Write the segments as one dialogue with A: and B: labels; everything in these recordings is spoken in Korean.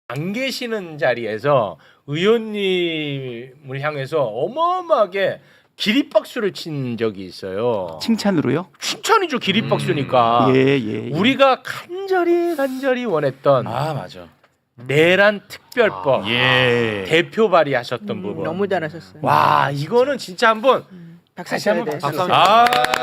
A: 안 계시는 자리에서 의원님을 향해서 어마어마하게 기립박수를 친 적이 있어요.
B: 칭찬으로요?
A: 칭찬이죠. 기립박수니까.
B: 예.
A: 우리가 간절히 원했던
C: 아 맞아.
A: 내란 특별법
C: 예.
A: 대표 발의하셨던 부분.
D: 너무 잘하셨어요.
A: 와 이거는 진짜 한번
D: 박수
A: 다시
D: 쳐야
A: 한번
D: 돼.
A: 박수.
C: 아.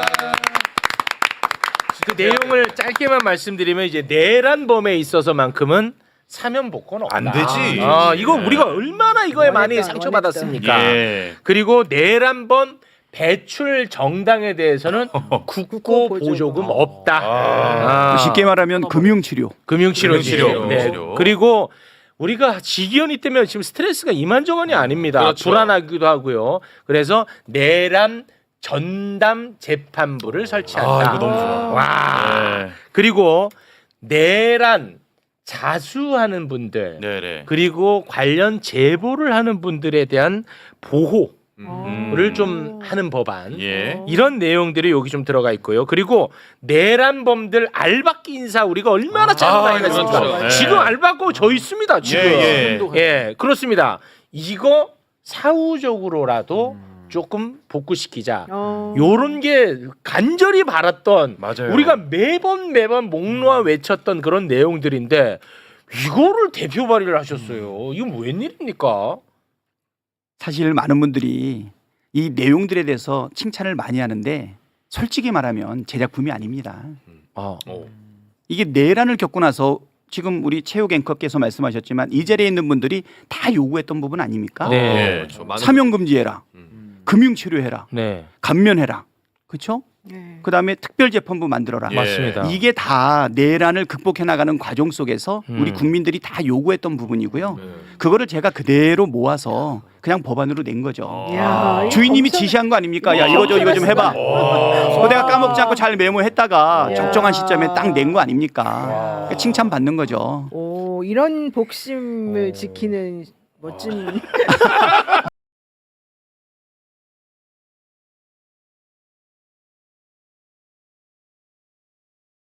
A: 그 내용을 짧게만 말씀드리면 이제 내란범에 있어서만큼은 사면복권 없다.
C: 안 되지.
A: 이거 우리가 얼마나 이거에 많이
D: 원했다,
A: 상처받았습니까?
C: 예.
A: 그리고 내란범 배출 정당에 대해서는 국고 보조금 없다.
C: 아.
B: 쉽게 말하면 금융치료.
A: 금융치료지.
C: 금융치료.
A: 그리고 우리가 직위원회 때문에 지금 스트레스가 이만저만이 아닙니다.
C: 그렇죠.
A: 불안하기도 하고요. 그래서 내란 전담 재판부를 설치한다.
C: 이거 너무 좋아.
A: 와.
C: 네.
A: 그리고 내란 자수하는 분들
C: 네네.
A: 그리고 관련 제보를 하는 분들에 대한 보호를 좀 하는 법안.
C: 예.
A: 이런 내용들이 여기 좀 들어가 있고요. 그리고 내란범들 알박기 인사 우리가 얼마나 잘못
C: 아,
A: 알겠습니까?
C: 그렇죠. 예.
A: 지금 알바고 저 있습니다. 지금.
C: 예.
A: 그렇습니다. 이거 사후적으로라도 조금 복구시키자. 요런 게 간절히 바랐던
C: 맞아요.
A: 우리가 매번 목 놓아 외쳤던 그런 내용들인데 이거를 대표 발의를 하셨어요. 이건 웬일입니까?
B: 사실 많은 분들이 이 내용들에 대해서 칭찬을 많이 하는데 솔직히 말하면 제작품이 아닙니다.
A: 아,
B: 이게 내란을 겪고 나서 지금 우리 체육 앵커께서 말씀하셨지만 이 자리에 있는 분들이 다 요구했던 부분 아닙니까?
A: 네.
C: 그렇죠. 많은-
B: 사명금지해라. 금융치료해라.
A: 네.
B: 감면해라. 그렇죠?
D: 네.
B: 그다음에 특별재판부 만들어라.
C: 예.
A: 맞습니다.
B: 이게 다 내란을 극복해 나가는 과정 속에서 우리 국민들이 다 요구했던 부분이고요. 그거를 제가 그대로 모아서 그냥 법안으로 낸 거죠.
D: 이야, 이거
B: 주인님이
D: 검사-
B: 지시한 거 아닙니까? 야 이거 좀 해봐. 그거 내가 까먹지 않고 잘 메모했다가
D: 야.
B: 적정한 시점에 딱 낸 거 아닙니까? 그러니까 칭찬 받는 거죠.
D: 오, 이런 복심을 지키는 멋진